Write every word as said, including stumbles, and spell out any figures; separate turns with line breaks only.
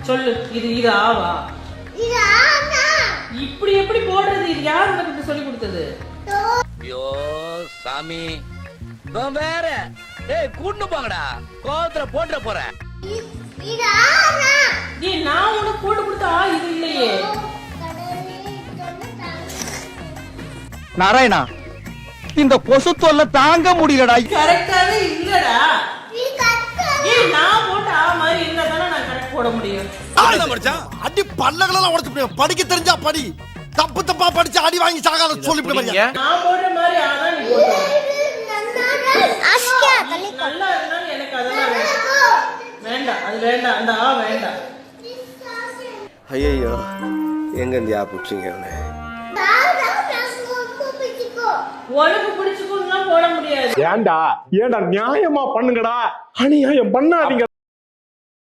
சொல்லு. இது இது ஆவா?
இது ஆனா.
இப்படி எப்படி போடுறது? இது யார் உனக்கு சொல்லி கொடுத்தது?
ஐயோ சாமி, நான் வேற. ஏய் கூட்டு போங்கடா, கோவத்துல போட்டுற போறேன்.
இது ஆனா.
ஏய் நான் உனக்கு போட்டு கொடுத்தா இது இல்லையே.
நாராயணா, இந்த கொசு தொல்லை தாங்க முடியலடா.
கரெக்டாவே இல்லடா.
நீ கரெக்டா.
ஏய் நான் போட்ட ஆ மாதிரி இருந்தா தானே நான் கரெக்ட் போட முடியும்.
அடி பல்லகளெல்லாம் உடைச்சு போடுவேன். படிக்க தெரிஞ்சா படி, தப்பு தப்பா படிச்சு அடி வாங்கி சாகாத சொல்லிவிட்டு பாருங்க.
நான் போடுற மாதிரி ஆனா நீ போடு.
அஸ்கா தள்ளி
நல்லா இருந்தாலும் எனக்கு அதெல்லாம் வேண்டாம். வேண்டாம் அது வேண்டாம். அந்த ஆ வேண்டாம்.
ஐயோ எங்க இருந்து யா புடிச்சீங்க அவனை?
உனக்கு பிடிச்சுக்கொண்டுலாம் போட முடியாது.
ஏண்டா ஏண்டா நியாயமா பண்ணுங்கடா, அநியாயம் பண்ணாதீங்க.